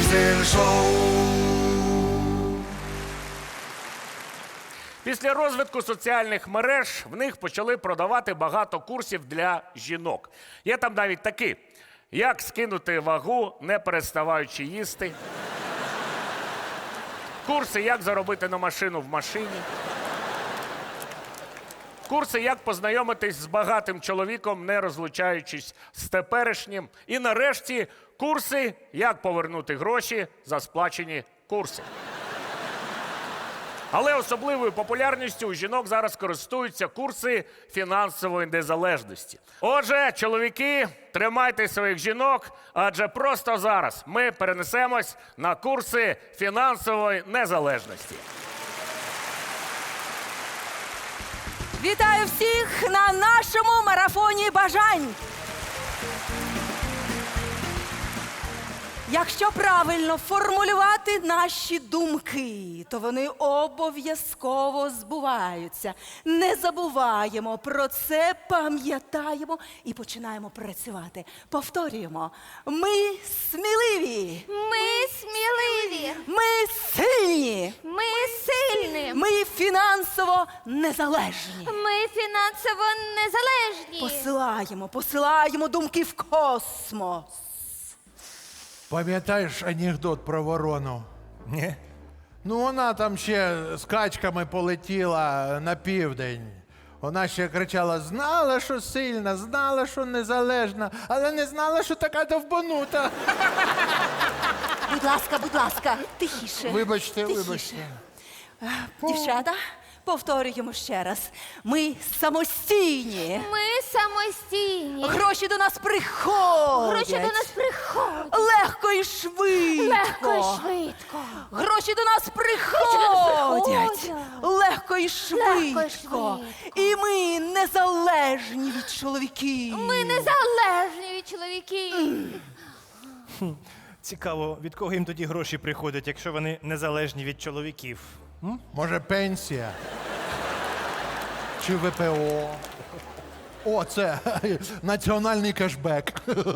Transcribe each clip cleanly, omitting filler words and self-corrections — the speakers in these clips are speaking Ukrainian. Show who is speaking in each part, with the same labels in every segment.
Speaker 1: Diesel Show.
Speaker 2: Після розвитку соціальних мереж в них почали продавати багато курсів для жінок. Є там навіть такі: як скинути вагу, не переставаючи їсти. Курси, як заробити на машину в машині. Курси, як познайомитись з багатим чоловіком, не розлучаючись з теперішнім. І нарешті курси, як повернути гроші за сплачені курси. Але особливою популярністю у жінок зараз користуються курси фінансової незалежності. Отже, чоловіки, тримайте своїх жінок, адже просто зараз ми перенесемось на курси фінансової незалежності.
Speaker 3: Вітаю всіх на нашому марафоні бажань! Якщо правильно формулювати наші думки, то вони обов'язково збуваються. Не забуваємо про це, пам'ятаємо і починаємо працювати. Повторюємо. Ми сміливі.
Speaker 4: Ми сміливі.
Speaker 3: Ми сильні.
Speaker 4: Ми сильні.
Speaker 3: Ми фінансово незалежні.
Speaker 4: Ми фінансово незалежні.
Speaker 3: Посилаємо думки в космос.
Speaker 5: Пам'ятаєш анекдот про ворону?
Speaker 6: Ні.
Speaker 5: Ну, вона там ще з качками полетіла на південь. Вона ще кричала: знала, що сильна, знала, що незалежна, але не знала, що така довбанута.
Speaker 3: Будь ласка, тихіше.
Speaker 5: Вибачте,
Speaker 3: Тихіше.
Speaker 5: вибачте.
Speaker 3: Дівчата, повторюємо ще раз. Ми самостійні.
Speaker 4: Ми самостійні.
Speaker 3: Гроші до нас приходять.
Speaker 4: Гроші до нас приходять.
Speaker 3: Легко і швидко.
Speaker 4: Легко і швидко.
Speaker 3: Гроші до нас приходять. Легко і швидко. І ми незалежні від чоловіків.
Speaker 4: Ми незалежні від чоловіків.
Speaker 6: Цікаво, від кого їм тоді гроші приходять, якщо вони незалежні від чоловіків?
Speaker 5: Може, пенсія? Чи ВПО? О, це національний кешбек.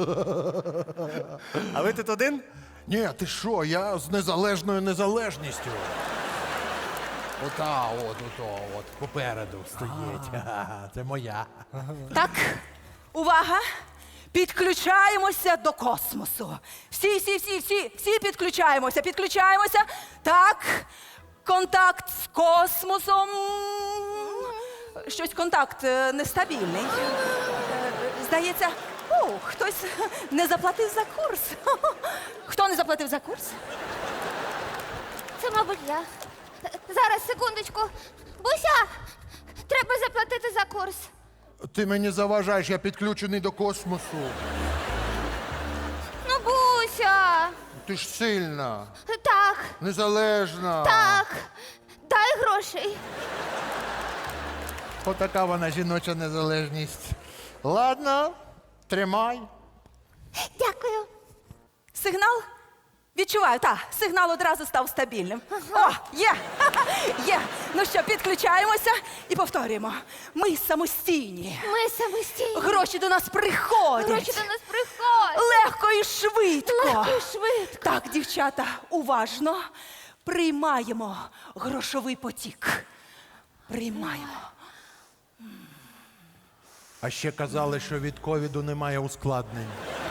Speaker 6: А ви тут один?
Speaker 5: Ні, ти що, я з незалежною незалежністю. От, попереду стоїть. Це моя.
Speaker 3: Так, увага! Підключаємося до космосу. Всі підключаємося. Так, контакт з космосом. Щось контакт нестабільний. Здається, хтось не заплатив за курс. Хто не заплатив за курс?
Speaker 4: Це, мабуть, я. Зараз, секундочку. Буся, треба заплатити за курс.
Speaker 5: Ти мені заважаєш, я підключений до космосу.
Speaker 4: Ну, Буся.
Speaker 5: Ти ж сильна,
Speaker 4: Так,
Speaker 5: незалежна.
Speaker 4: так. Дай грошей.
Speaker 5: Отака вона жіноча незалежність. Ладно, тримай.
Speaker 4: Дякую.
Speaker 3: Сигнал? Відчуваю, так. Сигнал одразу став стабільним. О, є! Є! Ну що, підключаємося і повторюємо. Ми самостійні.
Speaker 4: Ми самостійні.
Speaker 3: Гроші до нас приходять.
Speaker 4: Гроші до нас приходять.
Speaker 3: Легко і швидко.
Speaker 4: Легко і швидко.
Speaker 3: Так, дівчата, уважно приймаємо грошовий потік. Приймаємо.
Speaker 5: А ще казали, що від ковіду немає ускладнень.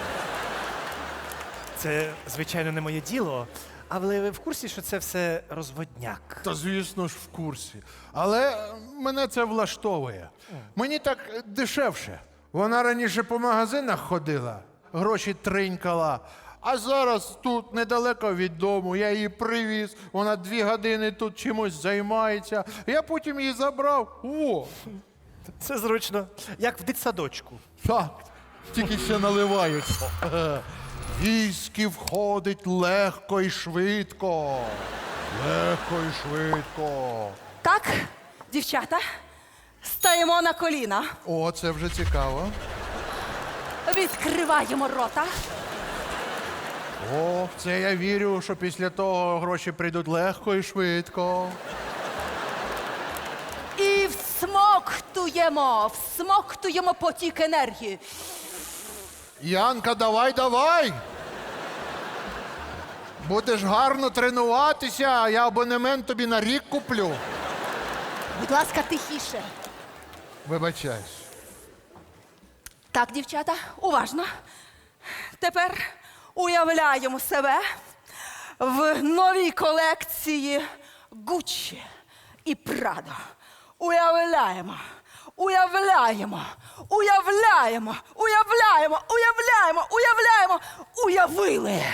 Speaker 6: Це, звичайно, не моє діло, але ви в курсі, що це все розводняк?
Speaker 5: Та звісно ж в курсі. Але мене це влаштовує. Мені так дешевше. Вона раніше по магазинах ходила, гроші тринькала. А зараз тут, недалеко від дому, я її привіз. Вона 2 години тут чимось займається. Я потім її забрав. О!
Speaker 6: Це зручно, як в дитсадочку.
Speaker 5: Так, тільки ще наливають. Віскі входить легко і швидко. Легко і швидко.
Speaker 3: Так, дівчата, стаємо на коліна.
Speaker 5: О, це вже цікаво.
Speaker 3: Відкриваємо рота.
Speaker 5: О, в це я вірю, що після того гроші прийдуть легко і швидко.
Speaker 3: І всмоктуємо потік енергії.
Speaker 5: Янка, давай! Будеш гарно тренуватися, а я абонемент тобі на рік куплю.
Speaker 3: Будь ласка, тихіше.
Speaker 5: Вибачаюсь.
Speaker 3: Так, дівчата, уважно. Тепер уявляємо себе в новій колекції Gucci і Prada. Уявляємо, уявляємо, уявляємо, уявляємо, уявляємо, уявляємо, уявили.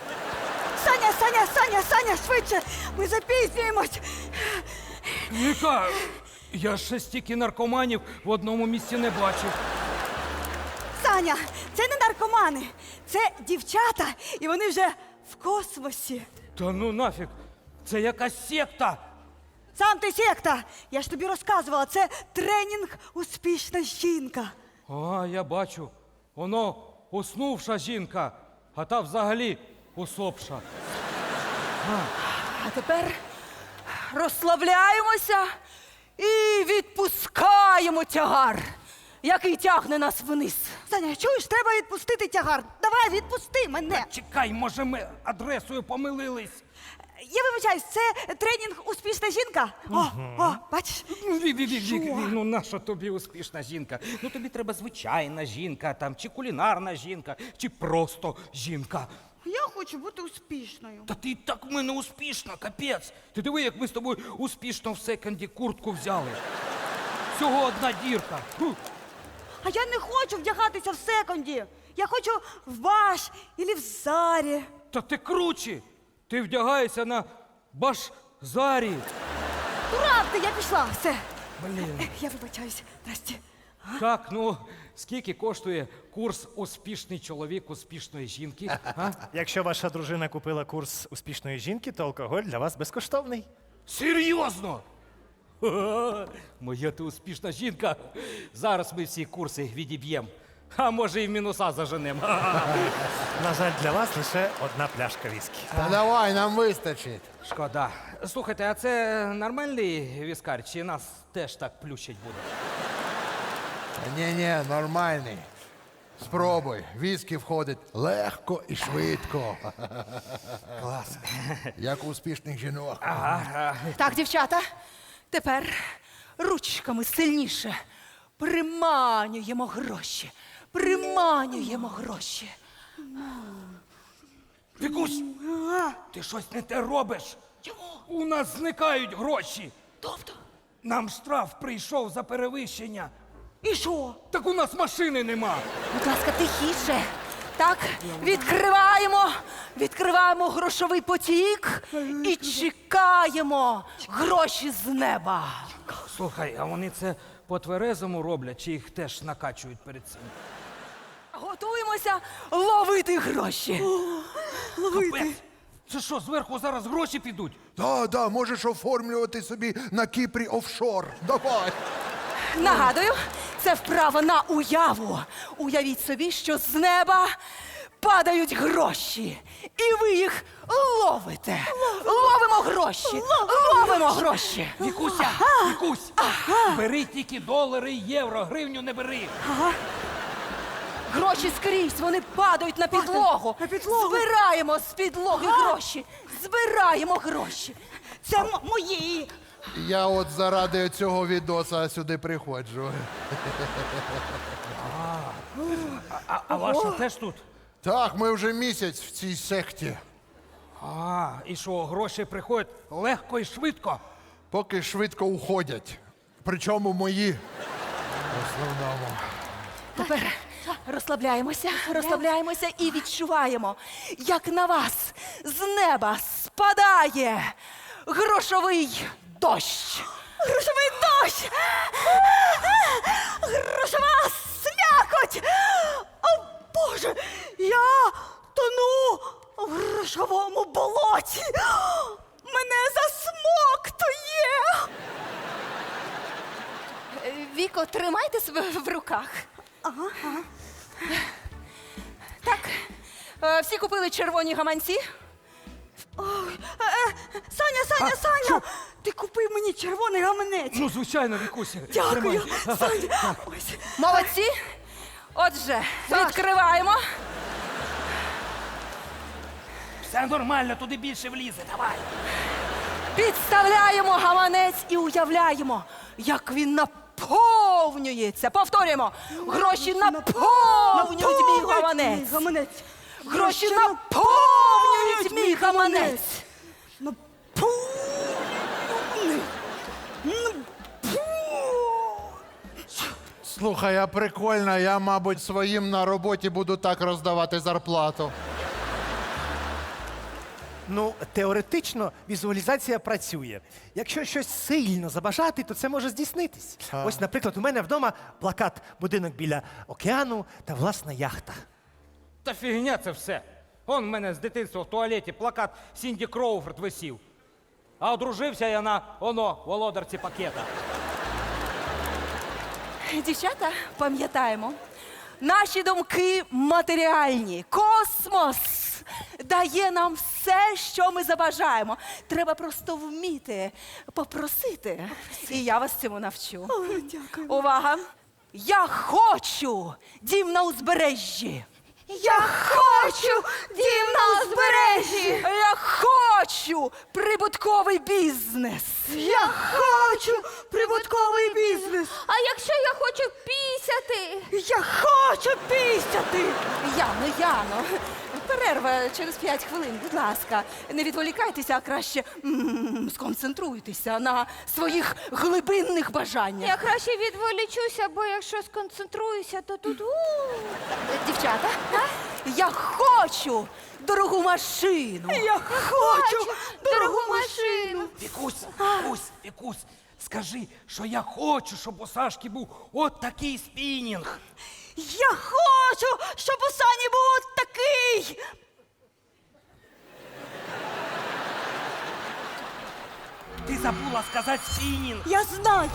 Speaker 1: Саня, швидше! Ми запізнюємось!
Speaker 7: Віка, я ще стільки наркоманів в одному місці не бачив.
Speaker 1: Саня, це не наркомани, це дівчата, і вони вже в космосі.
Speaker 7: Та ну нафіг, це якась секта.
Speaker 1: Сам ти секта! Я ж тобі розказувала, це тренінг «Успішна жінка».
Speaker 7: А, я бачу. Воно уснувша жінка, а та взагалі усопша.
Speaker 3: А тепер розслабляємося і відпускаємо тягар, який тягне нас вниз.
Speaker 1: Саня, чуєш, треба відпустити тягар. Давай, відпусти мене.
Speaker 7: Чекай, може ми адресою помилились.
Speaker 1: Я вибачаюсь, це тренінг «Успішна жінка». О, бачиш?
Speaker 7: Вік, ну наша тобі успішна жінка? Ну тобі треба звичайна жінка, там, чи кулінарна жінка, чи просто жінка.
Speaker 1: Я хочу бути успішною.
Speaker 7: Та ти і так в мене успішна, капець. Ти диви, як ми з тобою успішно в секонді куртку взяли. Всього одна дірка. Фу.
Speaker 1: А я не хочу вдягатися в секонді. Я хочу в Баш або в Зарі.
Speaker 7: Та ти круче. Ти вдягаєшся на баш-зарі.
Speaker 1: Дурак ти, я пішла, все.
Speaker 7: Блін.
Speaker 1: Я вибачаюсь, Насті.
Speaker 7: Так, ну, скільки коштує курс «Успішний чоловік успішної жінки»? А?
Speaker 6: Якщо ваша дружина купила курс успішної жінки, то алкоголь для вас безкоштовний.
Speaker 7: Серйозно? Ха-ха. Моя ти успішна жінка. Зараз ми всі курси відіб'ємо. А може і в мінуса заженемо.
Speaker 6: На жаль, для вас лише одна пляшка віскі.
Speaker 5: Та давай, нам вистачить.
Speaker 7: Шкода. Слухайте, а це нормальний віскар, чи нас теж так плющить буде?
Speaker 5: Ні, нормальний. Спробуй. Віскі входить легко і швидко.
Speaker 7: Клас.
Speaker 5: Як у успішних жінок.
Speaker 3: Так, дівчата, тепер ручками сильніше приманюємо гроші. Приманюємо гроші.
Speaker 7: Вікусь, ти щось не те робиш. У нас зникають гроші.
Speaker 3: Тобто?
Speaker 7: Нам штраф прийшов за перевищення.
Speaker 1: І що?
Speaker 7: Так у нас машини нема.
Speaker 3: Будь ласка, тихіше. Так, відкриваємо грошовий потік і чекаємо гроші з неба.
Speaker 7: Слухай, а вони це по тверезому роблять, чи їх теж накачують перед цим?
Speaker 3: Готуємося ловити гроші.
Speaker 7: Капець! Це що, зверху зараз гроші підуть?
Speaker 5: Да, можеш оформлювати собі на Кіпрі офшор. Давай.
Speaker 3: Нагадую, це вправа на уяву. Уявіть собі, що з неба падають гроші. І ви їх ловите. Ловимо гроші. Ловимо гроші.
Speaker 7: Вікуся, Вікусь, бери тільки долари, євро, гривню не бери.
Speaker 3: Гроші скрізь, вони падають на підлогу.
Speaker 1: на підлогу.
Speaker 3: Збираємо з підлоги гроші. Збираємо гроші.
Speaker 1: Це мої.
Speaker 5: Я от заради цього відоса сюди приходжу.
Speaker 7: А ваша теж тут?
Speaker 5: Так, ми вже місяць в цій секті.
Speaker 7: А, і що, гроші приходять легко і швидко?
Speaker 5: Поки швидко уходять. Причому мої. В основному.
Speaker 3: Тепер розслабляємося і відчуваємо, як на вас з неба спадає грошовий дощ.
Speaker 1: Грошовий дощ! Грошова слякоть! О, Боже! Я тону в грошовому болоті! Мене засмоктує!
Speaker 3: Віко, тримайте себе в руках. Так, всі купили червоні гаманці?
Speaker 1: Саня! Ти купив мені червоний гаманець!
Speaker 7: Ну, звичайно, Вікуся.
Speaker 1: Дякую,
Speaker 7: Тримай.
Speaker 1: Саня! Ось.
Speaker 3: Молодці. Отже, відкриваємо.
Speaker 7: Все нормально, туди більше влізе, давай.
Speaker 3: Підставляємо гаманець і уявляємо, як він наповнюється. Повторюємо. Гроші наповнюють мій гаманець.
Speaker 1: Гаманець.
Speaker 3: Гроші наповнюють мій гаманець.
Speaker 5: Слухай, а прикольно, я, мабуть, своїм на роботі буду так роздавати зарплату.
Speaker 6: Ну, теоретично візуалізація працює. Якщо щось сильно забажати, то це може здійснитись. Ось, наприклад, у мене вдома плакат «Будинок біля океану» та власна яхта.
Speaker 7: Та фігня це все. Он в мене з дитинства в туалеті плакат Сінді Кроуфорд висів. А одружився я на володарці пакета.
Speaker 3: Дівчата, пам'ятаємо, наші думки матеріальні. Космос дає нам все, що ми забажаємо. Треба просто вміти попросити. І я вас цьому навчу.
Speaker 1: Дякую.
Speaker 3: Увага! Я хочу дім на узбережжі.
Speaker 1: Я хочу дім на узбережжі.
Speaker 3: Я хочу прибутковий бізнес.
Speaker 1: Я хочу прибутковий бізнес.
Speaker 4: А якщо я хочу пісяти?
Speaker 1: Я хочу пісяти.
Speaker 3: Яно, перерва через 5 хвилин, будь ласка. Не відволікайтеся, а краще сконцентруйтеся на своїх глибинних бажаннях.
Speaker 4: Я краще відволічуся, бо якщо сконцентруюся, то тут.
Speaker 3: Дівчата, я хочу дорогу машину.
Speaker 1: Я хочу
Speaker 4: Дорогу машину.
Speaker 7: Вікусь, скажи, що я хочу, щоб у Сашки був от такий спінінг.
Speaker 1: Я хочу, щоб у Сані був от такий.
Speaker 7: Ти забула сказати спінінг.
Speaker 1: Я знаю.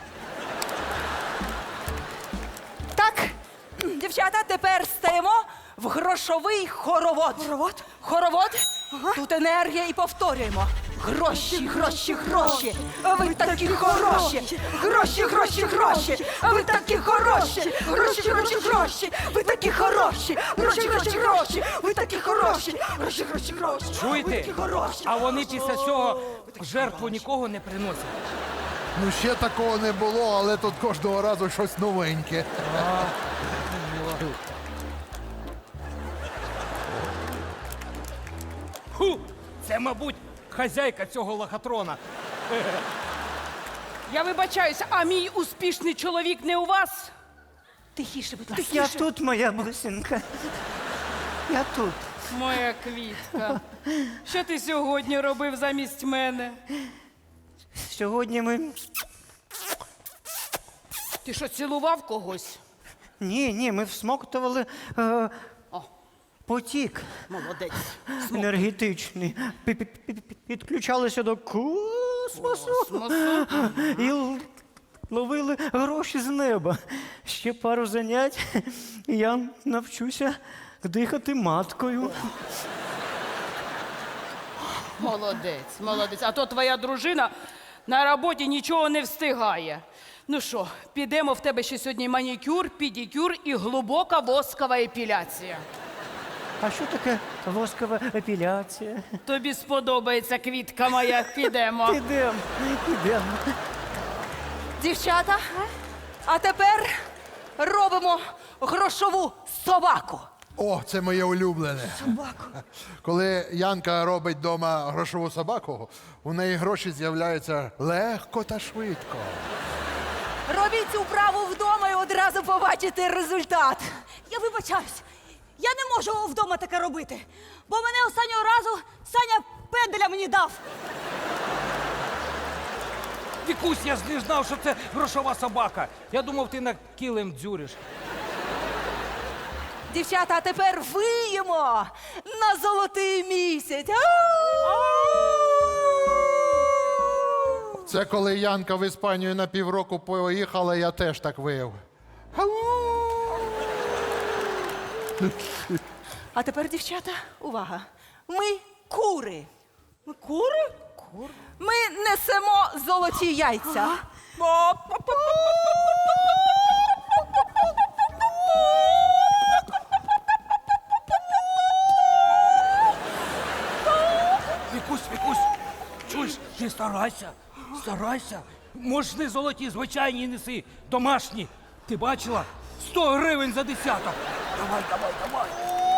Speaker 3: Так, дівчата, тепер стаємо в грошовий хоровод.
Speaker 1: Хоровод?
Speaker 3: Хоровод. Тут енергія і повторюємо. Гроші, гроші, гроші. А ви такі хороші. Гроші, гроші, гроші. А ви такі хороші. Гроші, гроші, гроші. Ви такі хороші. Гроші, гроші, гроші. Ви такі хороші. Гроші, гроші, гроші. Ви
Speaker 7: Чуєте?
Speaker 3: такі хороші.
Speaker 7: А вони після цього в жертву нікого не приносять.
Speaker 5: Ну, ще такого не було, але тут кожного разу щось новеньке.
Speaker 7: Ху! Це, мабуть, хазяйка цього лохотрона.
Speaker 8: Я вибачаюся, а мій успішний чоловік не у вас?
Speaker 3: Тихіше, будь ласка.
Speaker 9: Я тут, моя бусинка. Я тут.
Speaker 8: Моя квітка. Що ти сьогодні робив замість мене?
Speaker 9: Сьогодні ми.
Speaker 8: Ти що, цілував когось?
Speaker 9: Ні, ми всмоктували
Speaker 8: О.
Speaker 9: потік
Speaker 8: Молодець.
Speaker 9: енергетичний. Підключалися до космосу і ловили гроші з неба. Ще пару занять, і я навчуся дихати маткою.
Speaker 8: Молодець, молодець. А то твоя дружина на роботі нічого не встигає. Ну що, підемо, в тебе ще сьогодні манікюр, педикюр і глибока воскова епіляція.
Speaker 9: А що таке воскова епіляція?
Speaker 8: Тобі сподобається, квітка моя, підемо.
Speaker 9: Підемо.
Speaker 3: Дівчата, а тепер робимо грошову собаку.
Speaker 5: О, це моє улюблене. Собаку. Коли Янка робить вдома грошову собаку, у неї гроші з'являються легко та швидко.
Speaker 3: Робіть цю вправу вдома і одразу побачите результат.
Speaker 1: Я вибачаюсь. Я не можу вдома таке робити, бо мене останнього разу Саня пенделя мені дав.
Speaker 7: Вікусь, я ж не знав, що це грошова собака. Я думав, ти на килим дзюриш.
Speaker 3: Дівчата, а тепер виємо на золотий місяць.
Speaker 5: Це коли Янка в Іспанію на півроку поїхала, я теж так вияв.
Speaker 3: А тепер, дівчата, увага. Ми кури. Ми кури? Ми несемо золоті яйця.
Speaker 7: Вікусь, чуєш, ти старайся, старайся. Можеш не золоті, звичайні неси, домашні. Ти бачила? 100 гривень за десяток. Давай, давай, давай.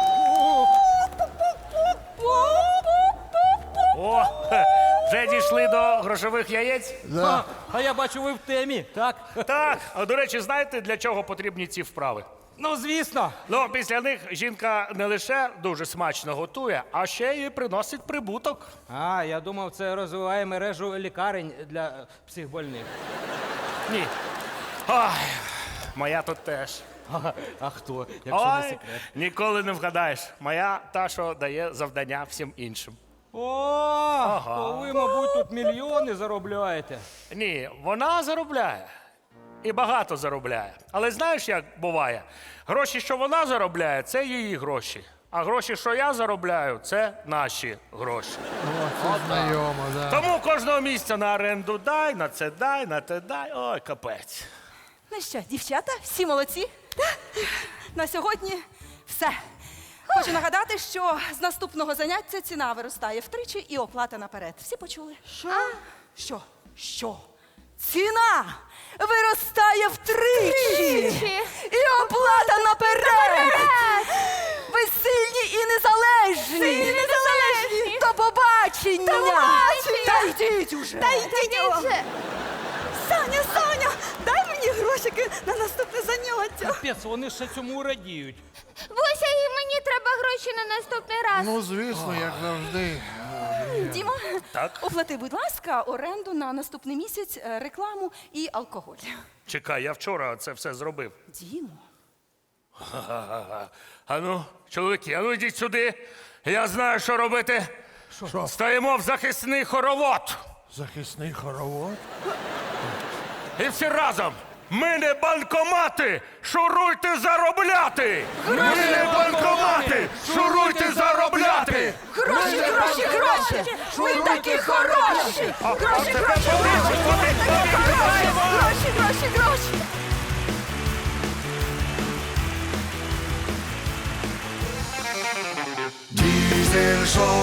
Speaker 2: О, вже дійшли до грошових яєць?
Speaker 7: А я бачу, ви в темі, так?
Speaker 2: Так. А до речі, знаєте, для чого потрібні ці вправи?
Speaker 7: Ну, звісно.
Speaker 2: Ну, після них жінка не лише дуже смачно готує, а ще й приносить прибуток.
Speaker 7: А, я думав, це розвиває мережу лікарень для психбольних.
Speaker 2: Ні. Ой, моя тут теж.
Speaker 7: А хто, якщо не
Speaker 2: Ой,
Speaker 7: секрет?
Speaker 2: ніколи не вгадаєш. Моя та, що дає завдання всім іншим.
Speaker 7: О, то ви, мабуть, тут мільйони заробляєте.
Speaker 2: Ні, вона заробляє. І багато заробляє. Але знаєш, як буває? Гроші, що вона заробляє, це її гроші. А гроші, що я заробляю, це наші гроші.
Speaker 5: Це знайомо, да.
Speaker 2: Тому кожного місця на оренду дай, на це дай, на те дай. Ой, капець.
Speaker 3: Ну що, дівчата, всі молодці? На сьогодні все. Хочу нагадати, що з наступного заняття ціна виростає втричі і оплата наперед. Всі почули? Що? Що? Ціна виростає втричі! І оплата наперед! Ви сильні і незалежні!
Speaker 4: Сильні, незалежні!
Speaker 3: До побачення!
Speaker 4: До побачення!
Speaker 3: Та йдіть уже!
Speaker 1: Та йдіть вже. Саня, дай мені грошики на наступне заняття.
Speaker 7: Капець, вони ще цьому радіють.
Speaker 4: Буся, і мені треба гроші на наступний раз.
Speaker 5: Ну, звісно, як завжди.
Speaker 3: Діма,
Speaker 2: Так?
Speaker 3: оплати, будь ласка, оренду на наступний місяць, рекламу і алкоголь.
Speaker 2: Чекай, я вчора це все зробив.
Speaker 3: Дімо.
Speaker 2: Ану, чоловіки, ану йдіть сюди. Я знаю, що робити.
Speaker 5: Що?
Speaker 2: Стаємо в захисний хоровод.
Speaker 5: Захисний хоровод?
Speaker 2: І всі разом. Ми не банкомати! Шуруйте заробляти! Ми не банкомати! Шуруйте заробляти!
Speaker 3: Гроші! Ви такі хороші! Гроші!
Speaker 10: Diesel Show.